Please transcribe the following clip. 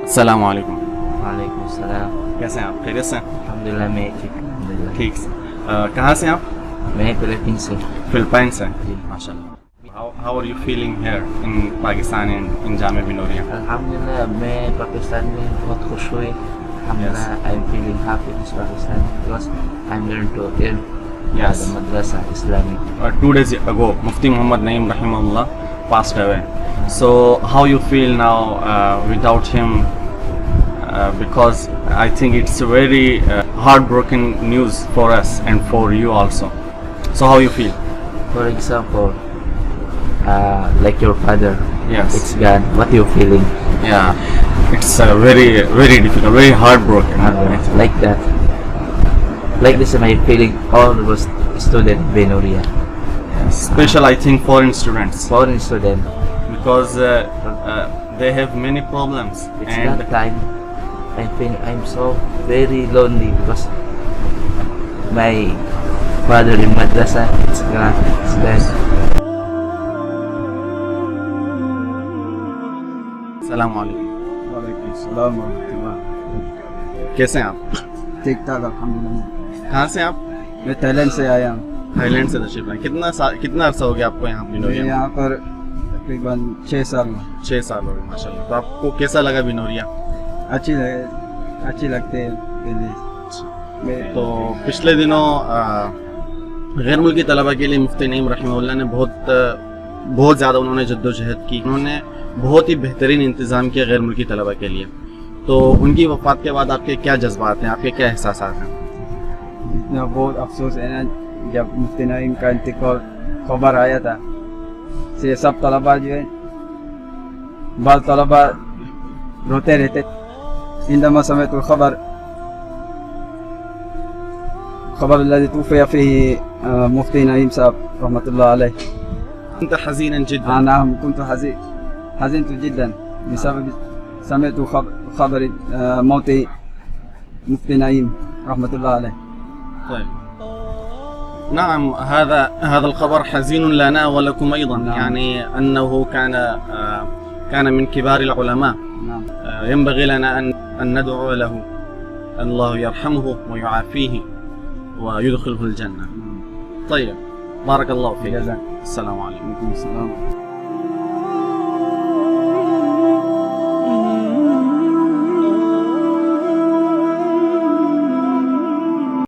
अस्सलाम वालेकुम। वालेकुम सलाम। कैसे हैं आप? खैरियत से हैं? अल्हम्दुलिल्लाह मैं ठीक हूँ, अल्हम्दुलिल्लाह। ठीक से। कहाँ से हैं आप? मैं फिलीपींस से। फिलिपाइन से। जी। माशाल्लाह। How are you feeling here in Pakistan in Jamia Binoria? अल्हम्दुलिल्लाह मैं पाकिस्तान में बहुत खुश हुई। अल्हम्दुलिल्लाह I'm feeling happy in Pakistan because I'm learning to learn Yes. the madrasa Islamic. 2 days ago, Mufti Muhammad Naeem Rahimahullah passed away. So how you feel now without him? Because I think it's a very heartbroken news for us and for you also. So how you feel? For example, like your father, Yes. it's gone. What you feeling? Yeah, it's very very difficult, very heartbroken. Like that. Like this, my feeling. All was student Binoria, Special, I think, foreign students foreign student. because they have many problems It's and that time I think I'm so very lonely because my father in madrasa it's gone, it's dead. अस्सलाम वालेकुम। वालेकुम सलाम वरहमतुल्लाह। कैसे हैं आप? ठीक ठाक अल्हम्दुलिल्लाह। कहाँ से हैं आप? मैं थाईलैंड से आया हूँ। थाईलैंड से तशरीफ लाए। कितना अरसा हो गया आपको यहाँ मैं बिनोरिया में? यहाँ पर तकरीबन 6 साल में। 6 साल हो गए माशाल्लाह। तो आपको कैसा लगा बिनोरिया? अच्छी लगते है पहले। मैं तो पिछले दिनों गैर मुल्की तलबा के लिए मुफ्ती नईम रहमतुल्लाह ने बहुत ज़्यादा उन्होंने जद्दोजहद की। उन्होंने बहुत ही बेहतरीन इंतज़ाम किया गैर मुल्की तलबा के लिए। तो उनकी वफ़ात के बाद आपके क्या जज्बात हैं, आपके क्या एहसास हैं? इतना बहुत अफसोस है ना, जब मुफ्ती नईम का इंतकाल खबर आया था से सब तलबा जो है बाल तलबा रोते रहते। इंदमा समेत खबर الذي توفي فيه मुफ्ती नईम साहब रहमतुल्लाह अलैह। أنت حزينا جدا. نعم كنت حزنت جدا بسبب سمعت خبر موت مفتي نعيم رحمة الله عليه. طيب. نعم، هذا الخبر حزين لنا ولكم أيضا. نعم. يعني أنه كان من كبار العلماء. نعم. ينبغي لنا أن ندعو له الله يرحمه ويعافيه ويدخله الجنة. طيب، بارك الله فيك. جزاك. السلام عليكم. عليكم السلام.